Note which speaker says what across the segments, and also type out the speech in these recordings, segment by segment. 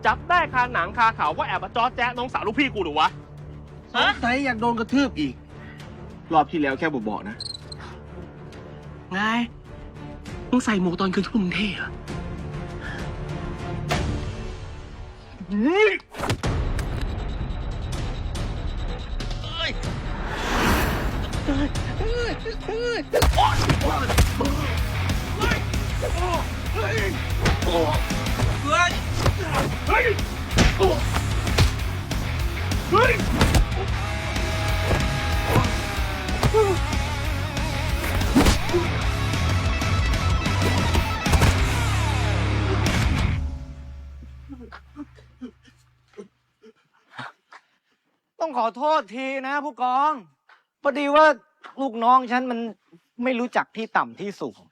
Speaker 1: จับได้คาหนังคาเขาว่าแอบมาจอแจ๊ะน้องสาวลูกพี่กูหรือวะ
Speaker 2: สงสัยอยากโดนกระทืบอีก รอบที่แล้วแค่บอกนะ
Speaker 1: ไงมึงใส่หมวกตอนคืนที่มึงเท่อะ
Speaker 3: ต้องขอโทษทีนะผู้กอง พอดีว่าลูกน้องฉันมันไม่รู้จักที่ต่ำที่สูง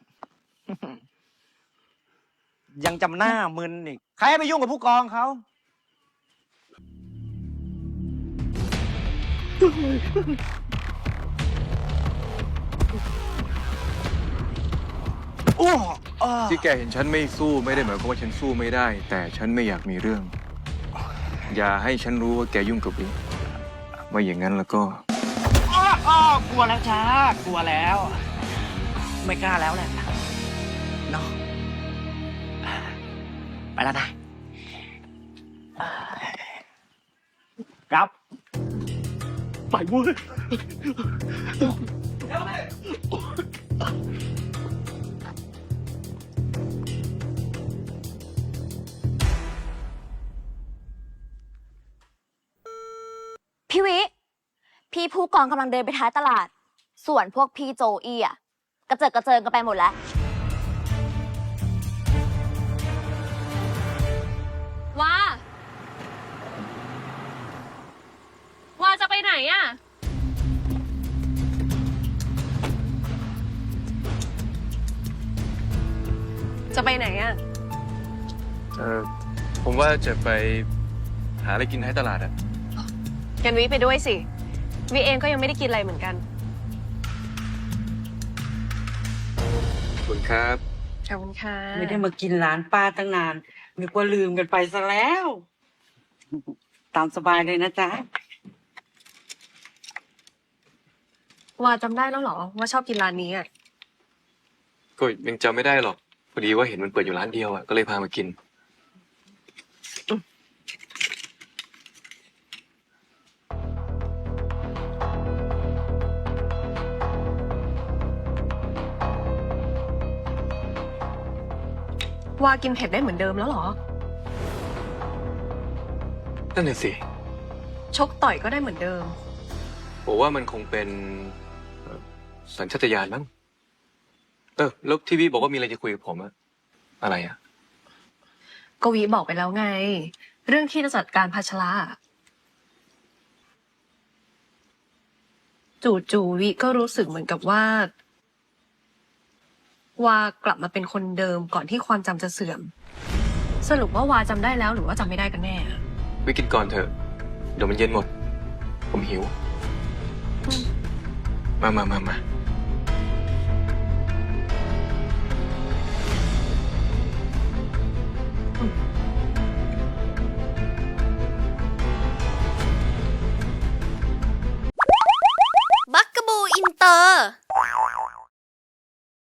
Speaker 3: ยังจำหน้ามึนอีก ใครไปยุ่งกับผู้กองเขา โอ้
Speaker 4: ที่แกเห็นฉันไม่สู้ไม่ได้หมายความว่าฉันสู้ไม่ได้ แต่ฉันไม่อยากมีเรื่อง อย่าให้ฉันรู้ว่าแกยุ่งกับวิไม่อย่างนั้นแล้วก็
Speaker 3: กลัวแล้วช้ากลัวแล้ว ไม่กล้าแล้วแหละเนาะไปแล้วนะครับ
Speaker 1: ไปเว้ย
Speaker 5: พี่วิ พี่ผู้กองกำลังเดินไปท้ายตลาด ส่วนพวกพี่โจอี้อ่ะกระเจิดกระเจิงกันไปหมดแล้ว
Speaker 6: ว่าจะไปไหนอ่ะ จะไปไหนอ่ะ
Speaker 4: ผมว่าจะไปหาอะไรกินให้ตลาดอะ
Speaker 6: กันวิไปด้วยสิ วิเองก็ยังไม่ได้กินอะไรเหมือนกัน
Speaker 4: ขอบคุณครับ
Speaker 6: ขอบคุณค่ะ
Speaker 7: ไม่ได้มากินร้านป้าตั้งนานนึกว่าลืมกันไปซะแล้ว ตามสบายเลยนะจ๊ะ
Speaker 6: ว่าจำได้แล้วเหรอว่าชอบกินร้านนี้อ่ะ
Speaker 4: ก็ยังจำไม่ได้หรอก พอดีว่าเห็นมันเปิดอยู่ร้านเดียวอะก็เลยพามากิน
Speaker 6: ว่ากินเผ็ดได้เหมือนเดิมแล้วเหรอ
Speaker 4: นั่นน่ะสิ
Speaker 6: ชกต่อยก็ได้เหมือนเดิม
Speaker 4: ผมว่ามันคงเป็นสัญชาตญาณมั้งแล้วที่พี่บอกว่ามีอะไรจะคุยกับผมอะอะไรอะ
Speaker 6: กวีบอกไปแล้วไง เรื่องที่จะจัดการภาชระจู่ๆวิก็รู้สึกเหมือนกับว่ากลับมาเป็นคนเดิมก่อนที่ความจำจะเสื่อม สรุปว่าวาจำได้แล้วหรือว่าจำไม่ได้กันแน่อะ
Speaker 4: วิกินก่อนเถอะ เดี๋ยวมันเย็นหมด ผมหิว มา